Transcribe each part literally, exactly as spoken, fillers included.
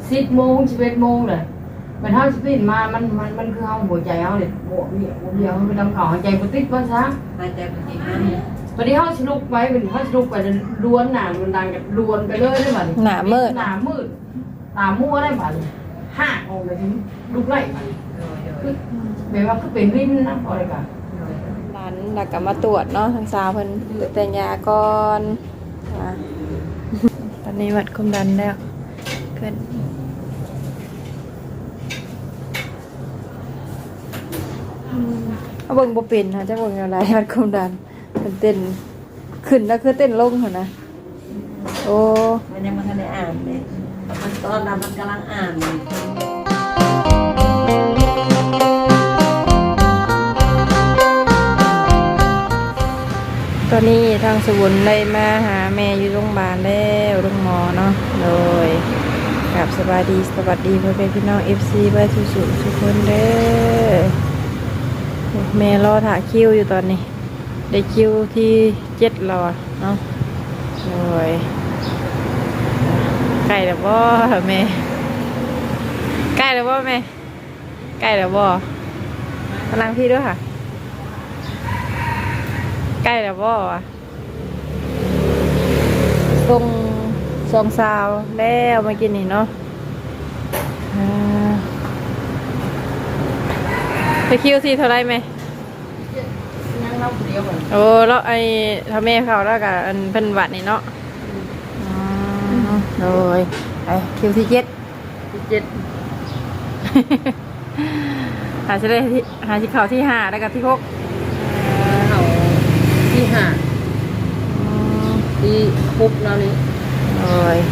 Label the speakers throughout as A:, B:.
A: สิบโมงสิบเอ็ดโมงเลยมันเท่าสิบปีมามันมันมันคือเอาหัวใจเอาเนี่ยบวกเนี่ยบวกเดียวมันดำเขาหายใจมันติดว่าซะ
B: หายใจปกตินะ
A: พอดีเขาสรุปไว้เป็นเขาสรุปไปล้วนหนามันดังกับล้วนไปเลยได้บัด
C: หนามืด
A: หนามืดตามั่วได้บัดห้าองค์เลยทีลูกไล่บัดคือแบบว่าคือเป็นริมนะอะไรกัน
C: หลานดักกลับมาตรวจเนาะทางสาวเพิ่นแต่ยาก่อนตอนนี้วัดความดันแล้วขึ้นเอาเบิ่งบ่เป็นค่ะจะเบิ่งอะไรวัดความดันมันเต้นขึ้นแล้วคือเต้นลงเหรอนะโอ้
B: มันยังไม่ทันได้อ่านเลยมันตอนนั้นมันกำลังอ่านอยู่
C: ตอนนี้ทางสวุนได้มาหาแม่อยู่โรงพยาบาลแล้วโรงหมอเนาะโดยกับสวัสดีสวัสดีเพื่อนพี่น้อง เอฟ ซี บ้านสุสุทุกคนเด้อแม่รอถ่าคิวอยู่ตอนนี้ได้คิวที่เจ็ดรอเนาะโดยใกล้แล้วบ่แม่ใกล้แล้วบ่แม่ใกล้แล้วบ่กำลังพี่ด้วยค่ะใกล้แล้วบ่อ่ะทรงทรงสาวแล้วมากินนี่เนาะไปคิวซีเท่าไรไหม
A: นั่งเล่าคนเดียวก่อน
C: โอ้แล้วไอ้ทำแม่เขาแล้วกับอันเป็นหวัดนี่เนาะโดยไอ้คิวที่เจ็ด
A: ที่เจ็ด
C: หาจะได้หาที่เขาที่ห้าแล้วกับที่หก
A: เขาที่ห้าที่หกแล้วนี่
C: โอ้ย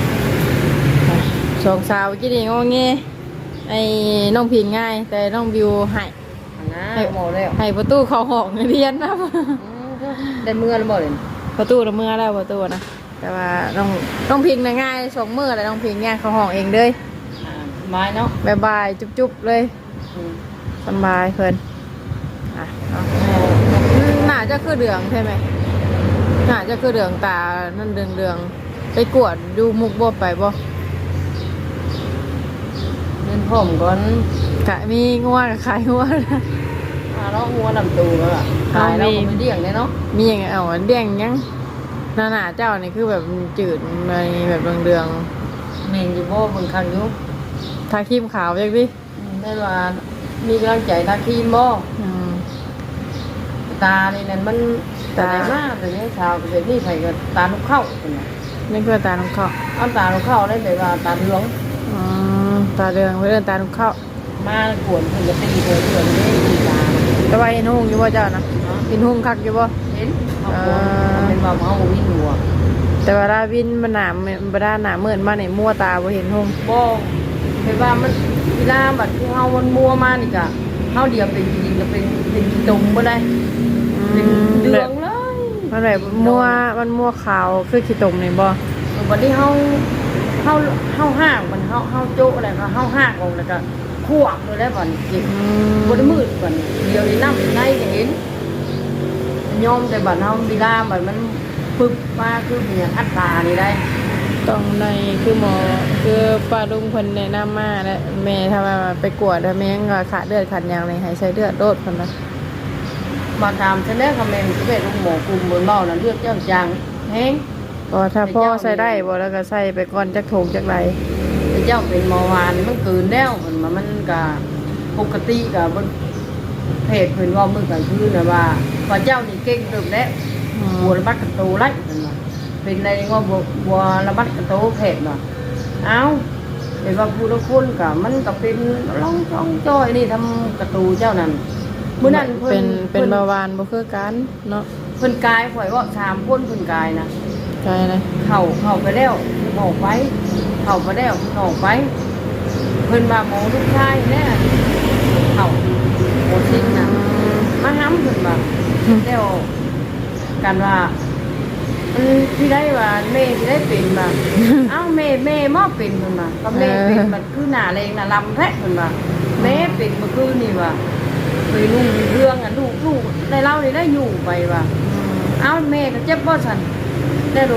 C: สองสาวกินนี่งงเงี้ยไอ้น้องพิงง่ายแต่น้องวิวหาย
A: ให้หมดแล้ว
C: ให้ประตูเขาหอกเรียนนะ
A: ได้เมื่อแล้วบ่เลย
C: ประตูละเมื่อแล้วประตูนะแต่ว่าน้องน้องพิงน่ะง่ายสองมือเลยน้องพิงง่ายเขาหอกเองเลย
A: ไม้เนาะ
C: บายบายจุ๊บๆเลยสบายเพิ่นอ่ะหน้าจะคือเดืองใช่ไหมหน้าจะคือเดืองตานั่นเดืองเดืองไปกวดดูมุกบ่ไปบ่
A: เล่นผมก่อน
C: กะมีงัวกับขายงัวนะ
A: อ่าแล้วงัวลำตูแล้วล่ะขายแล้วมันเดี่ยงเลยเนาะ
C: มีอย่างเอาเดี่ยงยังหน้าหน้าเจ้านี่คือแบบจืดในแบบเดืองเดือง
A: เมนอยู่บ่บางครั้งอยู่
C: ทาครีมขาวจังดิ
A: ได้ว่ามีกำลังใจทาครีมบ่ตานี่นั่นมันตาหน้าแต่เนี้ยชาวเดี๋ยวนี้ใส่ก็ตาลูกเข้าเป็นไง
C: นี่คือตาลูกเข้า
A: เอาตาลูกเข้าได้แบบว่าตาเหลือง
C: อ๋อตาเดืองเพื่อนตาลูกเข้า
A: มาขวนถึงจะตีเธอเถื่อนไม่ตีตา
C: แต่ว่าเห็นหุ่งอยู่บ่เจ้านะเห็นหุ่งคักอยู่บ่
A: เห็นเป็นว่าเขาวิ่งหัว
C: แต่ว่าดาวินมันหนามมันด้านหนาเหมือนมาในมั่วตาบ่เห็นหุ่ง
A: บ่เป็นว่ามันเวลาบัดที่เฮามันมัวมานี่กะเฮาเดียวเป็นจริงๆก็เป็นเป็นตรงบ่ได้เป็นเดืองเลย
C: มันแบบมั่วมันมั่วขาวคือขี้ตมนี่บ่
A: บัดนี้เฮาเฮาเฮาห่างมันเฮาเฮาโจ๊อะไรก็เฮาห่างออกแล้วก็ขวบเลยได้บ่นี่กินบ่ได้มืดบ่นี่เดี๋ยวนี้น้ำในก็เห็นยอมแต่บัดเฮาเวลาบัดมันปึบมาคือเป็นอย่างอัตตานี่ได้
C: ต้องในคือหมอคือป้าลุงเพิ่นแนะนำมาแล้วแม่ถ้าว่าไปกวดแล้วแม่งก็ขาดเลือดขาดยางเลยให้ใช้เลือดโดดเพิ่นนะ
A: มาตามฉันได้คอมเมนต์ก็เป็นลูกหมอกลุ่มบนเบ้านั้นเลือดเจ้าจางแห้ง
C: ก็ถ้าพ่อใส่ได้บ่แล้วก็ใส่ไปก่อนจักโถงจักไร
A: เจ้าเป็นเบาหวานมันเกินแล้วมันมันก็ปกติก็บนเพจเพิ่นว่ามื้อก็คือน่ะว่าว่าเจ้านี่เก่งเติบแล้วบัวระบัดกระโตไล่เพิ่นว่าเป็นในว่าบัวบัวระบัดกระโตเพจว่าเอ้าเห็นว่าผู้ละคนก็มันก็เป็นร้องจ้องจ้อยนี่ทำกระตูเจ้านั่นมื้อนั้น
C: เพิ่นเป็นเบาหวานบ่คือกันเนาะ
A: เพิ่นกายข่อยว่าสามคนเพิ่นกายนะ
C: กายนะ
A: เข้าเข้าไปแล้วออกไปเข้าไปแล้วออกไปเพิ่นมาหมอลูกชายเนี่ยเข้าโอซิงน่ะมาห้ำเพิ่นว่าแล้วกันว่ามันที่ได้ว่าแม่ที่ได้เป็นว่าเอ้าแม่แม่มอเป็นเพิ่นว่าก็แม่เป็นมันคือหน้าแรงน่ะลำแท้เพิ่นว่าแม่เป็นเมื่อคืนนี่ว่าเคยนุ่งเรื่องอ่ะลูกลูกได้เล่าได้ได้อยู่ไปว่าเอ้าแม่ก็เจ็บบ่ซั่นได้ลูก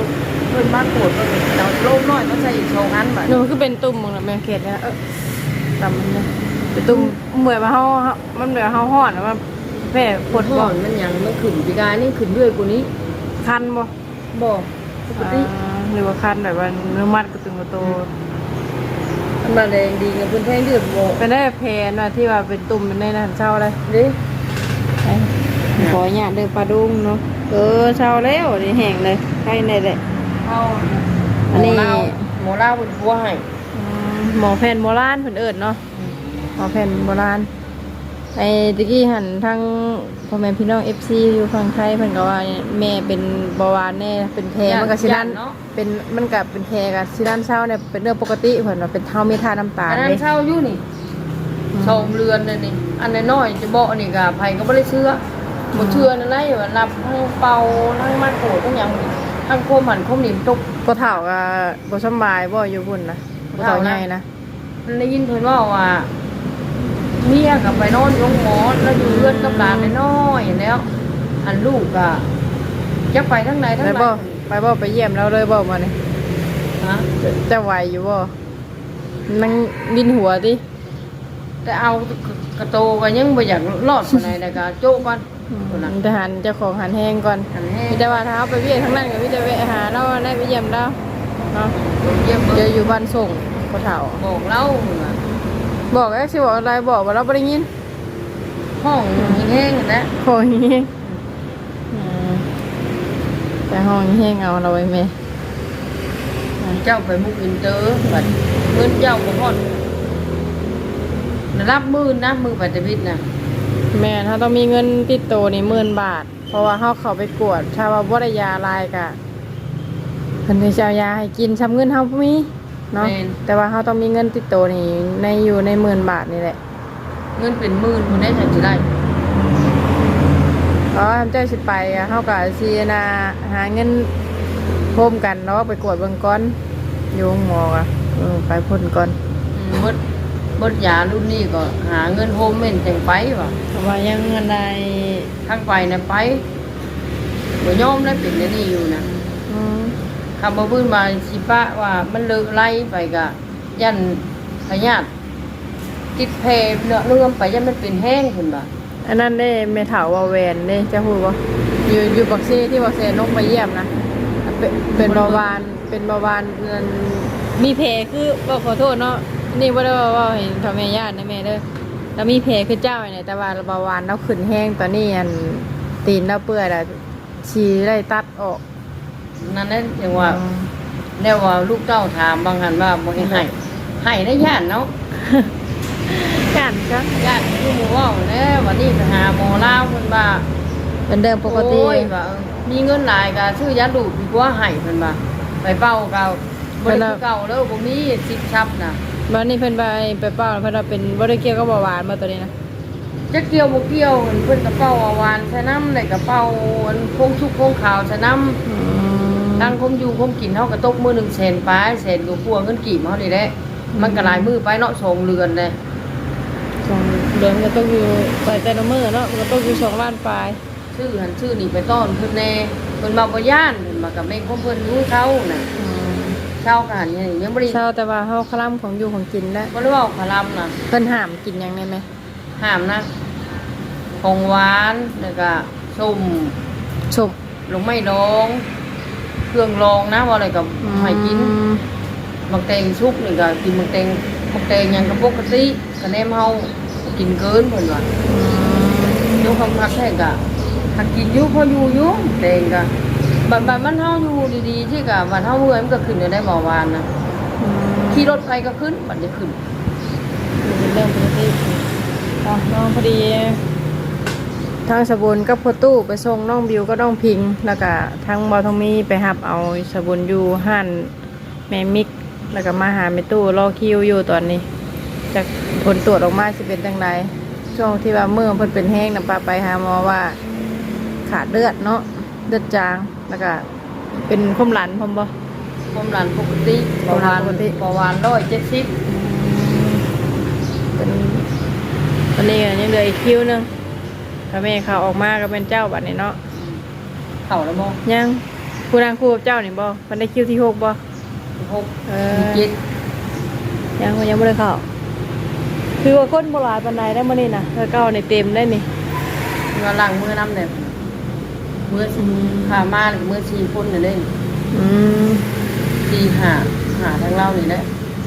A: เพิ่นบ้านปวดเพิ่นเราโลมน้อยมาใส่อีกสองอันบัด
C: หนูคือเป็นตุ่มมึงนะแม่เขตนะเออตำมันนะเป็นตุ่มเหมือนมาเฮามันเหมือนเฮาฮ้อนแล้วมันแพ้ปวด
A: ห่
C: บ่
A: อนมันหยังมันขึ้นปีกายนี่ขึ้นด้วยกว่านี้
C: คันบ่
A: บ่ปกติ
C: อ่าหรือว่าคันแบบว่าเนื้อมัดกระตึงกระโต
A: มันมาแรงดีกับเพิ่นแท้งเลือดบ่
C: เป็นได้แผลนะที่ว่าเป็นตุ่มในนั้นเช้าเลย
A: เด้
C: ไปขอหยาดเด้อปลาดุงเนาะเออเช้าแล้วนี่แห้งเลยใครในแหละ
A: เฮา
C: อันนี้
A: หมอลาวหมอลาวเพิ่นปัวให้
C: อืมหมอแผ่นโบราณเพิ่นเอิ้นเนาะหมอแผ่นโบราณไอ้ตะกี้หันทั้งพ่อแม่พี่น้อง เอฟ ซี อยู่ฝั่งไทยเพิ่นก็ว่าแม่เป็นเบาหวานแน่เป็นแผลมันก็สิลั่น
A: เนาะ
C: เป็นมันก็เป็นแผลก็สิลั่นเช้าเนี่ยเป็นเรื่องปกติเพิ่นว่าเป็นเท่ามีทาน้ำตาล
A: อันนั้น
C: เด้
A: เช่าอยู่นี่สองเรือนเลยนี่อันน้อยๆจะบอกนี่ก็ไผก็บ่ได้เชื่อบ่เชื่อนั่นแหละว่ารับทั้งเป่าทั้งมัดโกทั้งหยังทั้งโคมหันโคมนี่ตก
C: บ่เฒ่าก็บ่สำบายบ่อยู่พุ่นนะบ่เฒ่าใหญ่นะ
A: มันได้ยินเพิ่นว่าว่าเมียกับไปนอนโรงหมอแล้วอยู่เรือนกับหลานน้อยๆแล้ว อันลูกก็จักไปทั้งไหนทั้ง
C: ไป
A: ไหน
C: บ่ไปบ่ไปเยี่ยมเราเลยบ่มานี่
A: ฮะ
C: จะจะไหวอยู่บ่มันบินหัวติ
A: แต่เอากระโตก็ยังบ่อยากรอดปานใดแต่ก็โจ๊กก่อนคนน่ะ
C: ทหารเจ้าของหันแห้งก่อน
A: อันแห้ง
C: มีแต่ว่าเท้าไปเวียนทั้งนั้นก็มีแต่แวะหาเราได้ไปเยี่ยมเราเนาะ
A: เยี่ยม
C: เดี๋
A: เบิ่
C: ยว
A: ง
C: อยู่บ้านส่งพ่อเฒ่า
A: บอกเล่าว่า
C: บอกแล้วสิบอกอะไรบอกว่าเราบ่ได้ยิน
A: ห้องแห้งๆนะ
C: โอ้ยอืมแต่ห้องแห้งเอาเราไว้แม่
A: เจ้าไปมุกอินเตอร์บัดเงินเจ้าบ่ฮอดรับหมื่นนะมือปัตตวิทย์น่ะ
C: แม่ถ้าต้องมีเงินติดตัวนี่หมื่นบาท เพราะว่าเฮาเข้าไปกวดถ้าว่าบ่ได้ยาลายกะเพิ่นสิเอายาให้กินซ้ำเงินเฮาบ่มีเนาะแต่ว่าเฮาต้องมีเงินติดตัวนี่ในอยู่ในหมื่นบาทนี่แหละ
A: เงินเป็นหมื่นคนได้ฉันสิได้
C: อ๋อทำเจ้าสิไปอะเฮาก็สินะหาเงินโฮมกันเนาะไปกวดเบิ่งก่อนอยู่โรงหมออ่ะเออไปพ่นก่อน
A: อืมเบิดเบิดยารุ่นนี้ก็หาเงินโฮมเมนจังไปว่ะ
C: เพราะว่ายังเงินใด
A: ทางไปน่ะไปบ่ยอมได้เป็นอันนี้อยู่นะ
C: อืม
A: คำบ่พื้นมาสิปะว่ามันเลิกไล่ไปก็ยันพยาธิติดแผลเนื้อเลื่อมไปยันมันเป็นแห้งพุ่นบ่
C: อันนั้นได้เมถาวาแวนเด้จะพูดบ่อยู่อยู่บักซีที่บักเซนกไปเยี่ยมนะเป็นเป็นเบาหวานเป็นเบาหวานนั่นมีแผลคือบ่ขอโทษเนาะนี่บ่ได้ว่าว่าเห็นพ่อแม่ญาตินะแม่เด้อแล้วมีแผลคือเจ้าเนี่ยแต่ว่าเบาหวานเราขึ้นแห้งตอนนี้อันตีนเราเปื่อยแล้วฉี่ได้ตัดออก
A: นั่นแหละจังว่าแล้วว่าลูกเต้าถามบางหันว่าบ่ให้ให้ให้ได้ย่านเนาะ
C: กันจ้ะ
A: ย่านคือหมู่เว้าแล้วันนี้ไปหาหมอลาวเพิ่นว่า
C: เป็นเดิมปกติ
A: โอ้ยว่าเออมีเงินหลายก็ซื้อยาดูดดีกว่าให้เพิ่นว่าไปเป่าก็บ่ได้คือเก่าแล้วบ่มีสิบชับน่ะ
C: วันนี้เพิ่นไปไปเป้าเพิ่นว่าเป็นบ่ได้เกี่ยวกับเบาหวานมาตัวนี้นะ
A: จะเกี่ยวบ่เกี่ยวเพิ่นก็เป่าเอาหวานใส่น้ำได้ก็เป่าอันพงชุกพงขาวใส่น้ำ ตั้งคมอยู่คมกินเท่ากับตกมือหนึ่งแสนปลายแสนกว่าพวงเงินกี่มาเลยแหละมันก็หลายมือไปเนาะสองเรือนเลย
C: สองเดือนก็ต้องอยู่ไปแต่ละมื้อเนาะมันก็ต้องอยู่สองล้านปลาย
A: ชื่อหันชื่อนี่ไปต้อนเพิ่นแน่เพิ่นมาบ่ย่านเพิ่นมากับแม่งของเพิ่นรู้เขาน่ะเช้ากันนี่ยังบ่ได้
C: เช้าแต่ว่าเฮาคลำของอยู่ของกินแล้ว
A: บ่ได้เว้าพะลำน่ะ
C: เพิ่นห้ามกินหยังได้ไหม
A: ห้ามนะของหวานแล้วก็ส้ม
C: ชม
A: ลงไม้ดองเครื่องรองนะว่าอะไรก็ให้กินบางแตงซุปนี่ก็กินบางแตงบางแตงหยังก็ปกติก็แนมเฮากินเกินเพิ่นว่า ยกคำพักแท้กะหักกินอยุพออยู่อยุแดงกะบัดบัดมันเฮาอยู่ดีๆที่กะบัดเฮาเมื่อยมันก็ขึ้นได้เบาหวานนะขี่รถไปก็ขึ้นบัดจะขึ้น
C: เป็นเรื่องปกติอ่ะน้องพอดีทางสบุนกับพ่อตู้ไปส่งน้องบิวก็น้องพิง แล้วก็ทางบอทองมีไปหับเอาสบุนอยู่ห้านแม่มิก แล้วก็มาหาแม่ตู้รอคิวอยู่ตอนนี้จากผลตรวจออกมาสิเป็นจังไดช่วงที่ว่าเมื่อเพิ่นเป็นแห้งนะป้าไปหาหมอว่า ขาดเลือดเนาะเลือดจางแล้วก็เป็นความหลันพร้อมบ่
A: ความดันปกติเบาหวาน
C: ปกติ
A: เบาหวานร้อยเจ็ดสิบ
C: เป็นวันนี้ก็ยังเหลืออีกคิวหนึงถ้าแม่เขาออกมาก็เป็นเจ้าบัดนี้เนาะ
A: เข่าแล้วบ่
C: ยังผู้นางคู่กับเจ้านี่บ่มันได้คิวที่หกบ่
A: หก
C: เออ
A: เจ็ด
C: ยังยังบ่ได้เข้าคือว่าคนบ่หลายปานใดได้มื้อนี้น่ะแล้วเก้านี่เต็มได้นี่
A: มาหลังมือน้ำเนี่ยมือสี่ขามาเลยมือสี่คนเนี่ยเล่น
C: อืม
A: สี่หาหาทางเรานี่แหละ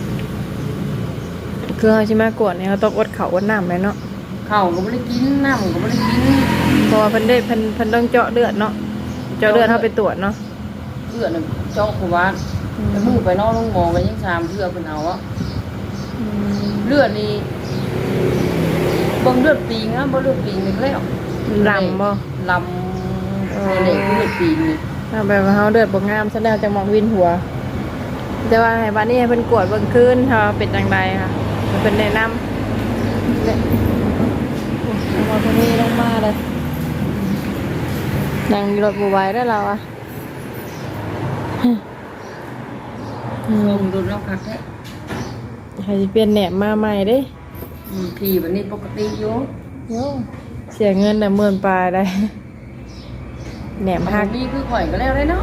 C: คือเฮาสิมากวดนี่เฮาต้องอดข้าวอดน้ำแม่เนาะ
A: ข้าวก็ไม่ได้กินน้ำก็ไม่ได้กิน
C: เพราะว่าเพิ่นได้เพิ่นเพิ่นต้องเจาะเลือดเนาะเจาะเลือดเฮาไปตรวจเนาะ
A: เลือดน่ะเจ้าขวานแต่มือไปนอกลงหมอกันยังสามเพื่อเป็นเอาอะ
C: อืม
A: เลือดนี่บ่เลือดปีงนะบ่เลือดปีงนี่แล้ว
C: ลำบ่
A: ลำในเด็กเลือดปีงนี่
C: เอาแบบว่าเฮาเลือดบ่งามซะแล้วจังหมอกวินหัว แต่ว่าให้บัดนี้ให้เพิ่นกวดเบิ่งคืนถ้าเป็นจังไดค่ะให้เพิ่นแนะนำเนี่ยเอามาคนนี้ลงมาเลยนั่งอยู่รถบ่ไหวได้แล้วอ่ะ
A: ลงดุนแล้วคักแท้
C: ให้สิเปลี่ยนแหนบมาใหม่เด้
A: อืมขี่แบบนี้ปกติอยู่
C: โยเสียเงินน่ะหมื่นปลายได้แหนบ
A: หั
C: หั
A: ก
C: ก
A: นี่คือข่อยก็แล้วได้เนาะ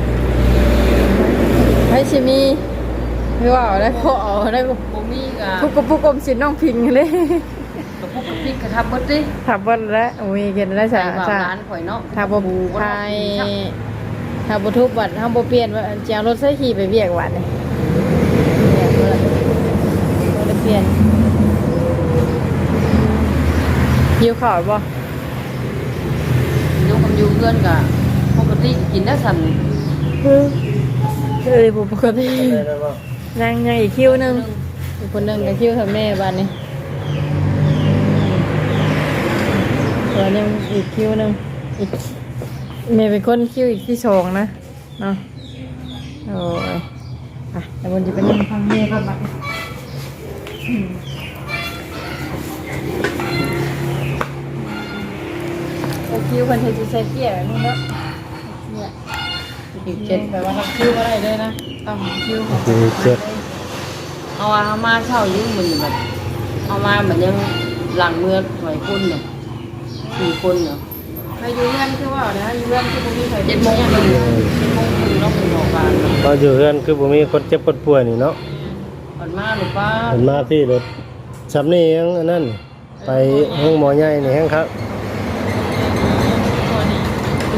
C: ให้สิมีไม่ว่าเอาได้พอเอาได้บ่
A: บ่มีก็
C: ทุกกระปุกอมสินน้องพิงเลย
A: กระปุกกระปิกกระทำเบิดดิ
C: ถามว่าแล้วโอ้ยเกินได้
A: ใส่
C: สา
A: ว่า
C: สา
A: ร้านข่อยเนาะ
C: ถ้าบ่ทายถ้าบ่ทุบบัดถ้าบ่เปลี่ยนว่าจะเอารถใส่ขี่ไปเวียกวัดนี่เวียกบ่ได้เปลี่ยนหิวข้าวบ่
A: ยกคำยูเพื่อนก็ปกติกินได้สั่น
C: เอ้ยบ่ปกตินั่งยังอีกคิวหนึงอีกคนหนึงก็คิวกับแม่บัดนี้ส่วนยังอีกคิวหนึงอีกแม่เป็นคนคิวอีกที่สองนะเนาะโอ้ยอ่ะแต่บนจะเป็นยังฟังแม่ก่อนบัดนี้อืมโอ้คิวคนเทจิใส่เกียร์แบบนี้เนาะเนี่ย
A: อีก
C: เจ็
A: เจ็
C: ด
A: ด
C: แปลว่าทำคิวอะไรเลยนะต้องคิวของ
D: อีกเจ็ด
A: เอาว่าเอามาเช่ายืมมันแบบเอามาเหมือนยังหลังเมื่อหน่วยคนเนี่ยสี่คนเนาะ
C: ใครอยู่เรือนคือว่านะอยู่เรือนคือพวกนี้ใคร
A: เจ็ดโมงครึ่งเจ็ดโมงครึ่งเราเป็นออกการเนาะ
D: พออยู่เฮือนคือบ่มีคนเจ็บคนป่วยนี่เนาะ
A: ก่อนมาหรือป้า
D: เห็นมาพี่รถสำนี่ยังอันนั้นไปห้องหมอใหญ่นี่แฮงครับ
C: ตัวนี้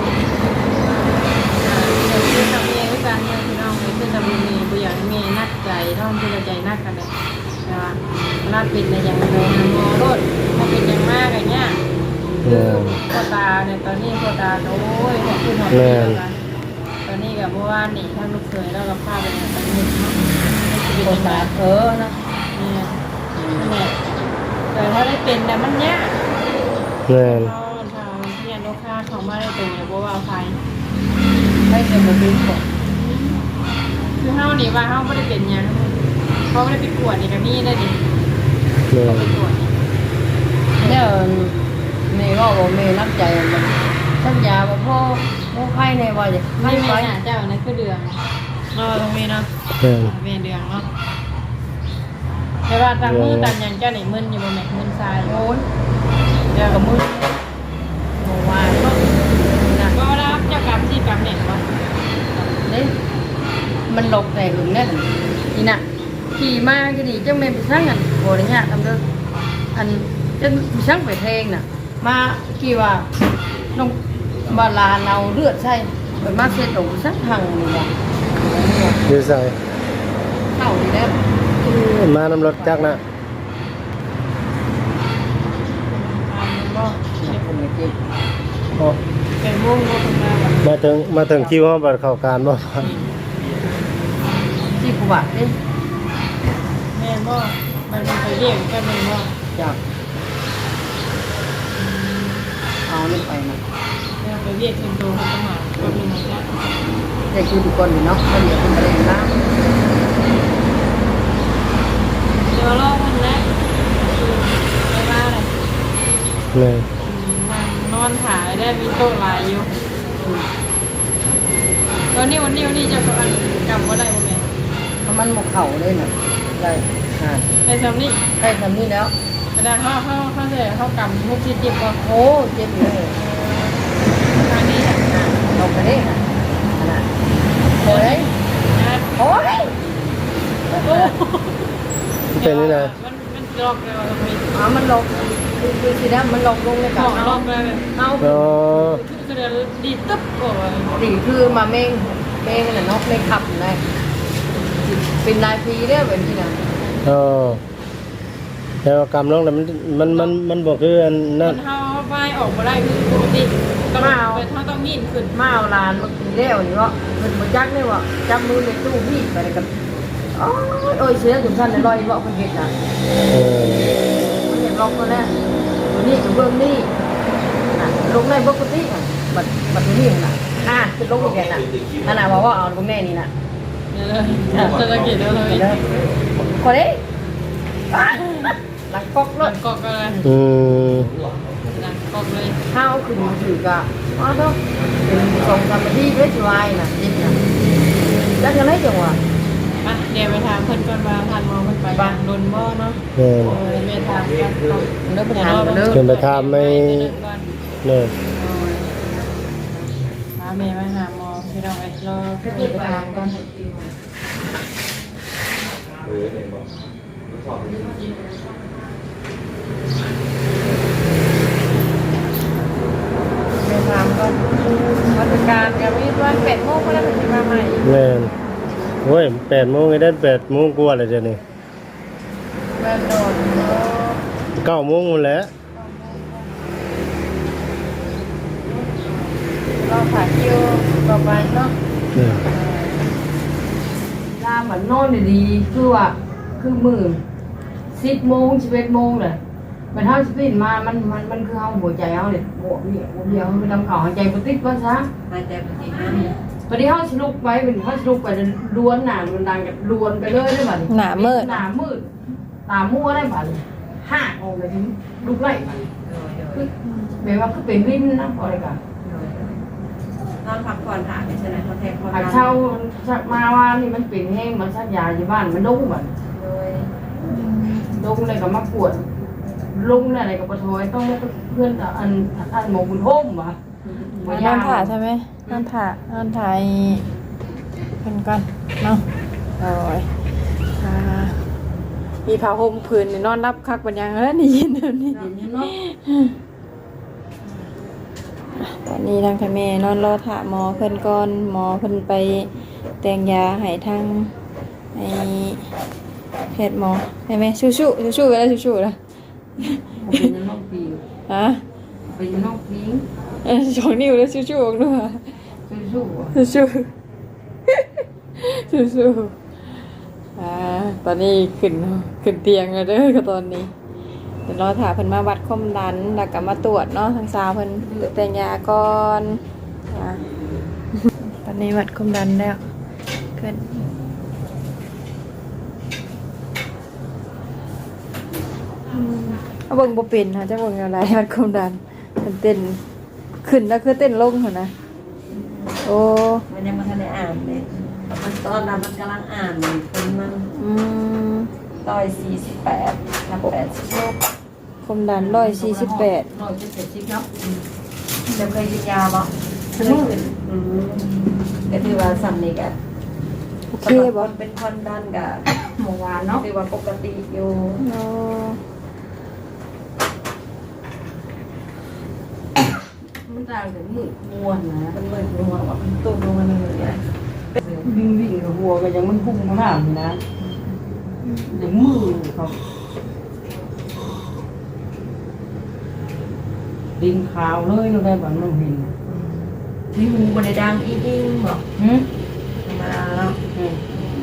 C: คือทำเองด้วยกันเนี่ยพี่น้องเลยคือทำเองบุอย่างเมย์นักใจท่องคือใจนักกันเลยนะนักเป็นในอย่างโดนงอรถถ้าเป็นอย่างมากอย่างเงี้ย
D: แม่น
C: พ่อตาเนี่ยตอนนี้พ่อตาโอ้ยขอบคุณหอมเดียวกันตอนนี้กับเมื่อวานนี่ท่านลูกเคยแล้วกับข้าไปเนี่ยตอนนี้เนาะไม่
A: โค
C: เป็น
A: ตา
C: ไร
A: เออนะ
C: เนี่ยเนี่ยแต่ถ้าได้เป็นแต่มันยาก
D: แม่น
C: เขาทางเนี่ยลูกค้าเขาไม่ได้ตรงเลยเพราะว่าไฟ
A: ให้เงินมาซื้อก่อน
C: คือเฮานี่ว่าเฮาไม่ได้เป็นหยังเขาไม่ได้ไปกวดนี่กับนี่ได้ดิ
D: แม่น
C: ไปกวดนี่
A: เนี่ยเมย์ก็บอกเมย์นักใจมันสัญญาว่าพ่อพ่อไข้ในว่าจะ
C: ไม่
A: ไม่
C: แม่
A: ไป
C: น่ะเจ้านั่นคือเดืองเนาะตรงนี้เนาะ
D: แม่น
C: แม่เดืองเนาะแต่ว่าตามมือตามหยังเจ้านี่มึนอยู่บ่แม่มึนทราย
A: โอ้ยเดี๋ยวกับมือโอ้ว่าเนาะนะ
C: ก็รับเจ้ากรรมที่กรรมเนี่ยว่า
A: นี่มันหลบแต่หึงแน่นนี่น่ะขี่มาก็ดีจังเมย์ไปสั่งอันโหดเนี่ยทำเด้ออันจังไปสั่งไปเพลงน่ะ มากี่ว่าน้องมาลาเราเลือดใช่เปิดมาเสียตรงสักทางนี่ว่ะ
D: อยู่ใส่
A: เข้าดีแล้ว
D: มานำรถจักรนะ
C: อ่ามันก็
A: ผมไม่เจ็บ
D: อ๋อ
C: เป็นวงก็เป็นมาแบบ
D: มาถึงมาถึงคิวเฮาบัดเข้าการบ่
A: ที่กูว่านี่
C: แม่บ่มันเป็นไปเรียกกันแม่บ่
A: จากเอานี่ไปนะ
C: แม่ไปเรียกเป็นตัวเขาต้องมาก็มีเหมือนกัน
A: แต่คือทุกคนเนาะเขาเดี๋ยวเป็นประเด็นน้
C: เดี๋ยวรอมันแรกคือไปมาเลย
D: แม่น
C: นั่งนอนถ่ายได้มีโต๊ะหลายอยู่ตอนนี้วันนี้วันนี้จะอันกลับว่าได้บ่แม่
A: ำถ้ามันหมกเข่าเลยน่ะได้อ่า
C: ไปซ้ำนี่
A: ได้ทำนี่แล้ว
C: กระดาษเขาเขาเขาเสียเขากำมุกที่เจ็บก็
A: โอ้เจ็บเลย
C: ทางนี้
A: อ่าเราไปได้นะขนาดน่ะโอ้ยโอ้ย
D: เป็นนี่นะ
C: มันมันลอกเลยมันมี
A: อ๋อมันลงคือคือสินะมันลงลงใน
C: ห
A: กา
C: อ
A: ร
C: ลอกเลย
A: เอา
D: อ๋อ
C: คือเดี๋ยวดีตึ๊บโอ้ย
A: ดีคือมาเมงเมงน่ะนกในขับเลยเป็นนายพีเด้อแบบนี้นะ
D: อ๋อแต่ว่ากรรมน้องแต่มันมันมันมันบอกคืออัน
C: มั
D: นั้น
C: นเท้าไฟออกมาได้คือปกติต้องเป็นเท้าต้องยินขึ้น
A: มาเอาลานมากินแล้วนี่วะมันมาจักนี่วะจับมือในตู้พี่ไปเลยกันโอ้ยโอ้ยเสียถึงท่านเลยลอยเบาคนเห็นน่ะ
D: เออ
A: มันเห็นลงมาแล้วนี่กับเบื้องนี่น่ะลงในปกติอ่ะบัดบัดนี้น่ะอ่าคือลงอีกแกน่ะนั่นน่ะว่าว่าเอาตรงแน่นี่น่ะ
C: เนี่ยเลยจะตะกี้แล้วเลย
A: คนนี้หลังก๊อก
C: ห
A: เล
C: ลั
A: ย
C: งกอกอะไร
D: อืม
C: หลังกอกเลย
A: ข้าวขึ้นมาถือกะอ๋อเนาะเป็นสองสามนาทีเพชรวายน่ะจิตน่ะจักยังไงจังวะ
C: อ่ะเดี๋ยวไปถามเพิ่นก่อนว่าทันมองมันไปบ้านลนบ่เนาะ
D: แม่น
C: เออแม่ถามกัน
A: เลิกไปทานกันเลิก
D: ขึ้นไปทำไม่เนี่ย
C: พาแม่มาหาหมอพี่น้องไอ้รอขึ้นไปถามก่อนไปถามก่อนวันการกับวิทย์วันแปดโมงก็ได้เป็นมาใหม่
D: แม่นโอ้ยแปดโมงไอ้ได้แปดโมงกว่าเลยเดี๋ยวนี้
C: แม่โดน
D: เก้าโมงหมดแล้ว
C: เราขาคิวต่อไปเนาะ
D: อืม
A: ลาเหมือนนอนดีๆคือว่าคือมือสิบโมงสิบเอ็ดโมงเลยมันเท่าสิบปิ่นมามันมันมันคือเอาหัวใจเอาเนี่ยหัวเนี่ยหัวเดียวมันทำข่าวหายใจปติดว่าซะ
B: หายใจปกตินะ
A: พอดีเขาสลุกไปเป็นเขาสลุกไปล้วนหนามันดังกับล้วนไปเลยได้บัด
C: หนามืด
A: หนามืดตามั่วได้บัดห้าออกไปถึงลุกไล่บัดคือแบบว่าคือเป็นวินนะอะไรกัน
B: นอนพักผ่อนหาไม่ใช่ไหมเขาแทงเขา
A: หากเช่าชักมาว่านี่มันเป็นแห้งมันชักยาอยู่บ้านมันดุ้งบัด
B: โดย
A: ดุ้งอะไรก็มาปวดลุงอะไรกับปะทอยต้องเพื่อนอันอันหมอบุญโฮมวะ
C: นอนถ่าใช่ไหมนอนถ่านอนถ่ายกันก่อนเนาะโอ้ยอ่ามีผ้าห่มผืนนี่นอนรับคักเป็นยังแล้วนี่ยินเดี๋ยวนี้
A: เนาะ
C: ตอนนี้ทางทางแม่นอนรอถ่าหมอเพิ่นก่อนหมอเพิ่นไปแต่งยาให้ทางไอ้แพทย์หมอให้แม่ชู้ชู้ชู้ชู้กันแล้วชู้ชู้แล้ว
A: เป็นน้องปี
C: ฮะ
A: เป็นน้องพิง
C: เออสองนิ้วแล้วชู้ชู้ออกด้วย
A: สู้ๆ
C: สู้สู้สู้อ่าตอนนี้ขึ้นขึ้นเตียงแล้วเด้อก็ตอนนี้เดี๋ยวรอถาเพิ่นมาวัดความดันแล้วก็มาตรวจเนาะทางสาวเพิ่นแต่งยาก่อนอ่าตอนนี้วัดความดันแล้วขึ้นอืมเอาเบิ่งบ่เป็นค่ะจะเบิ่งอะไรวัดความดันมันเต้นขึ้นแล้วคือเต้นลงหั่นนะโอ้
B: มันยังไม่ทันได้อ่านเลยมันตอนนั้นมันกำลังอ่านอยู่คนมัน
C: อืม
B: ต่อยสี่สิบแปดนับแปดสิบหก
C: ความดันร้อยสี่สิบแปด
A: ร้อยเจ็ดสิบเนาะ
B: จะเคยกินยาบ่เคยกินอืมก็ถือว่าสำนึกอะ
C: โอเค
B: สำหรับ
C: บ่
B: คนเป็นความดันกับ
A: เมื่อวานเนาะ
B: ถือว่าปกติอยู่
C: โอ้
A: มันต่างจากมืดมัวนะ
B: มันเหมือนหัวว่ามันตุ้มลงมาเลยเนี่ย
A: วิ่งวิ่งกับหัวก็ยังมันพุ่งมาหน้าอยู่นะเดี๋ยวมือเขาดินขาวเลยเราได้แบบน้องเห็น
B: มีหูบนดังอีอิ่งบอก
A: หืม
B: ธรรมดาเนาะ
A: อืม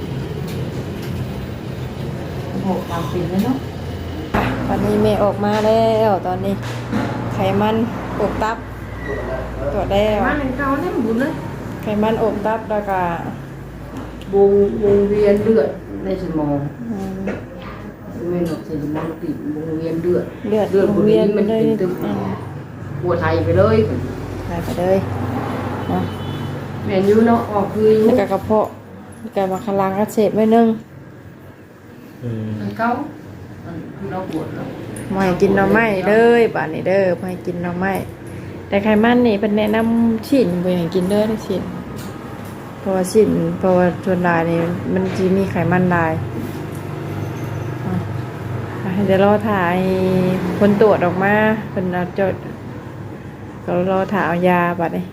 A: โอ้ตามปีแล้วเนาะ
C: ตอนนี้เมย์ออกมาแล้วตอนนี้ ไขมันอบตับตรวจแล้ว
A: มาหนึ่งเก้าเนี่ยบุญเลย
C: ไขมันอบตับแล้วก็
A: วงวงเวียนเลือดในสมอง
C: อืม
A: ไม่หนกใส่สมองติดวงเวียนเลือด
C: เลือด
A: เลือดบริเวณ
C: มั
A: มัน น
C: เลย
A: เป็นตึม
C: อืม
A: หัวไทยไปเลย
C: หายไปเลยเนาะ
A: แม่นอยู่เนาะออกคืออยู่
C: แล้วก็กระเพาะแล้วก็มาคลังอักเสบไว้นึง
D: อืม
A: อันเก้าอันคือเราปวดแล้ว
C: ไม่ให้กินหน่อไม้เลยป่านนี้เด้อไม่ให้กินหน่อไม้แต่ไขมันนี่เป็นแนะนำฉีดบ่ให้กินเด้อได้ฉีดราะว่าสิ้นเพราะว่าส่วนหลายนี่มันสิมีไขมันหลายอ่ะอ่ะเดี๋ยวรอถ่ายผลตรวจออกมาเพิ่นเอาจดก็รอถ่ายเอายาบัดนี้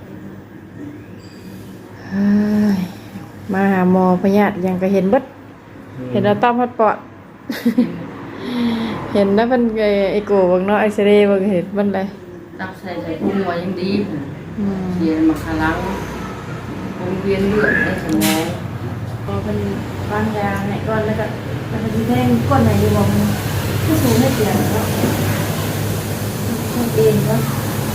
C: เฮ้ยมาหาหมอพยาธิยังก็เห็นเบิดเห็นแล้วต้อมฮอดปอด เห็นแล้วมันไอ้โกเบิ่งเนาะเอ็กซเรย์เบิ่งเห็นมันเลย
A: ตักใส่ใส่พุงไว้ยังดี
C: อืม
A: เสียมาคาลังวงเวียนเลือดในสมอง
C: พอเป็นวางยาให้ก่อนแล้วก็แล้วก็สิแทงก้นไหนอยู่บ่มันผู้สูงให้เสียงเนาะมันเองก็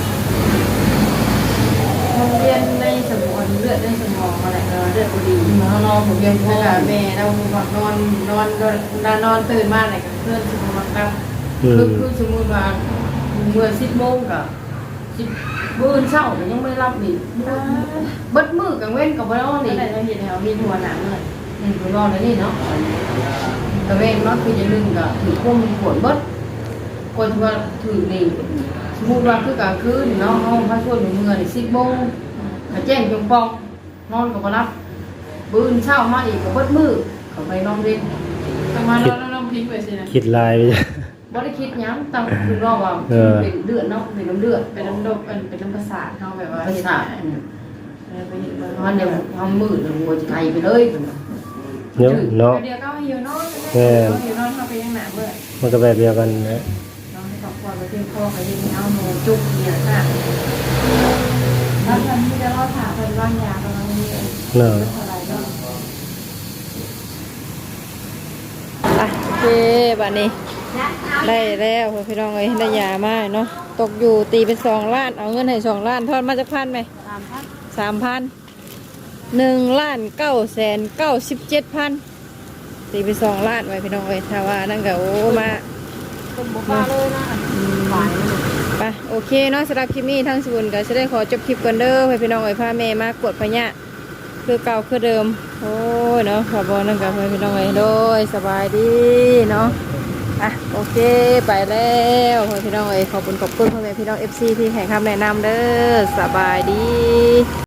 C: มันเวียนในสมองเลือดในสมองอะไรเนาะเลือดบ่ดี
A: นอนนอนผมยัง
C: แล้ว
A: พ่อ
C: ก็แม่เราแบบนอนนอนนอนนอนตื่นมาอะไรกับเพื่อนสมองมันครับ
D: อื
A: คือ
D: ม
A: คือสมมติว่าเมื่อสิบโมงกับสิบมื้อเช้าก็ยังไม่รับนี่เบิดมือกังเว้นกับบ่นอน
C: นี่
A: นี่
C: แหละเราเห็นแล้วมีหัวหนังเลย
A: นี่บ่นอนแล้วนี่เนาะกังเว้นเนาะคือจะนึงก็ถือพวกมันปวดเบิดกดว่าถือนี่สมมุติว่าคือกลางคืนเนาะเฮาพาชวนเมื่อนี่สิบโมงก็แจ้งจงปองนอนก็บ่รับมื้อเช้ามาอีกก็เบิดมือก็ไปนอนเล่น
C: ประมาณเราเราพลิกไปสินะ
D: คิดลายไปจ้ะ
A: บ่ได้คิดหยังตั้งคือรอว่า
D: เออ
A: เป็นเลือดเนาะเป็นน้ำเลือด
C: เป็นน้ำดกเป็นน้ำประสาทเขาแบบว่า
A: ประสาท
C: เออไปเห็นมัน
A: มันเดี๋ยวทำมืดแล้วหัวจะไทยไปเลย
D: เนาะเนาะ
C: เดี๋ยวก็หิวนอน
D: แม่
C: หิวนอนเขาไปยังหนาเมื่อ
D: มันก็แบบเดียวกันนะ
C: น้องให้ครอบครัวไปเที่ยวพ่อไปยังเอาหนูจุกเนี่ยค่ะแล้วทันที่จะรอดถามเป็นร่างยาประมาณนี้เอง
D: เนาะ
C: อะไรก็อ่ะโอเคบัดนี้ได้แล้วพี่น้องเอ้ยได้ยามาเนาะตกอยู่ตีเป็นสองล้านเอาเงินให้สองล้านทอดมาจากพันไหม
A: สามพัน
C: สามพันหนึ่งล้านเก้าแสนเก้าสิบเจ็ดพันตีไปสองล้านไว้พี่น้องเอ้ยถ้าว่านั่นก็โอ้มา
A: คนบุกมาเลยนะหวาน
C: ไปโอเคเนาะสำหรับคลิปนี้ทั้งสบุนก็จะได้ขอจบคลิปกันเด้อให้พี่น้องเอ้ยพาแม่มากดพญะคือเก่าคือเดิมโอ้ยเนาะขอบอนั่นกับพี่น้องเอ้ยโดยสบายดีเนาะอ่ะโอเคไปแล้วพี่น้องเอ้ยขอบคุณขอบคุณพ่อแม่พี่น้องเอฟซีที่ให้คำแนะนำเด้อสบายดี